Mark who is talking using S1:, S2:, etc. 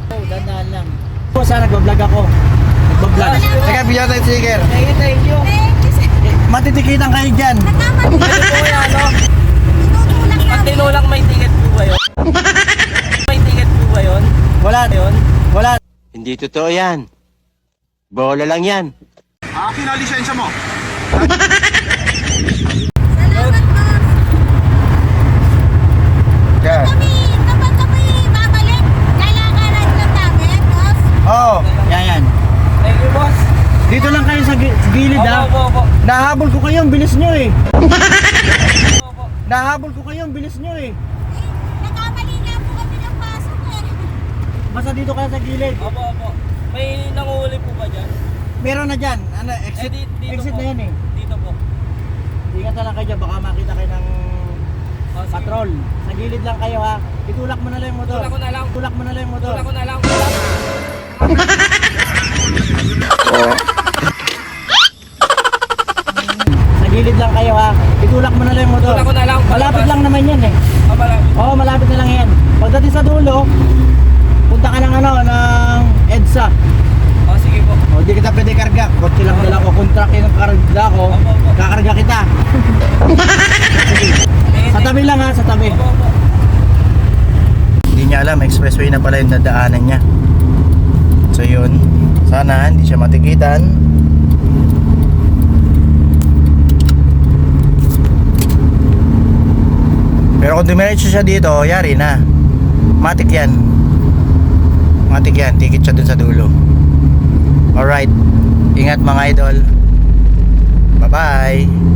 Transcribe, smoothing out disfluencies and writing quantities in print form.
S1: Oh, dandahan lang. Sana nagbablog ako. Nagbablog.
S2: Teka, bigyan tayo sticker.
S1: Thank you. Matitikitan kayo dyan.
S3: Nagkamali.
S1: Ano po yan, no?
S3: Tinutulak
S1: Pag
S3: namin.
S1: tinulak may ticket po ba yun? May ticket po ba yun? Wala yun? Wala.
S4: Hindi totoo yan. Bola lang yan.
S2: Akin ang lisensya mo.
S3: Salamat, boss.
S2: Yan.
S3: Kapag kami babalik, lalakaran lang namin, boss.
S2: Oo.
S1: Yan. Thank you, boss. Dito lang kayo sa gilid, ha?
S5: Opo.
S1: Nahabol ko kayo, ang bilis nyo eh. Nahabol ko kayo, ang bilis nyo eh.
S3: Nagkamali nga po kami ng pasok eh.
S1: Basta dito kayo sa gilid.
S5: Opo. May nanguhuli po ba dyan?
S1: Meron na dyan. Ano, exit,
S5: Dito
S1: exit
S5: po.
S1: na yan eh.
S5: Dito po.
S1: Ingat na lang kayo dyan, baka makita kayo ng
S5: Sige.
S1: patrol. Sa gilid lang kayo, ha? Itulak mo na lang yung motor.
S5: Tulak ko na lang.
S1: Tulak mo na lang yung motor.
S5: Tulak ko na lang.
S1: Sa gilid lang kayo, ha? Itulak mo na lang yung motor.
S5: Tulak ko na lang.
S1: Malapit lang naman yan eh.
S5: Malapit.
S1: Oo, malapit na lang yan. Pagdating sa dulo, punta ka ng EDSA.
S5: Sige po.
S1: O, di kita pwede karga. Kotse lang dala ko. Contract yung karga ko.
S5: Opo.
S1: Kakarga kita. Sa tabi lang, ha? Sa tabi.
S5: Opo.
S2: Hindi niya alam, expressway na pala yung dadaanan niya. So yun, sana hindi siya matikitan. Pero kung dumiretso siya dito, yari na. Matik yan. Tikit siya dun sa dulo. Alright, ingat mga idol. Bye bye.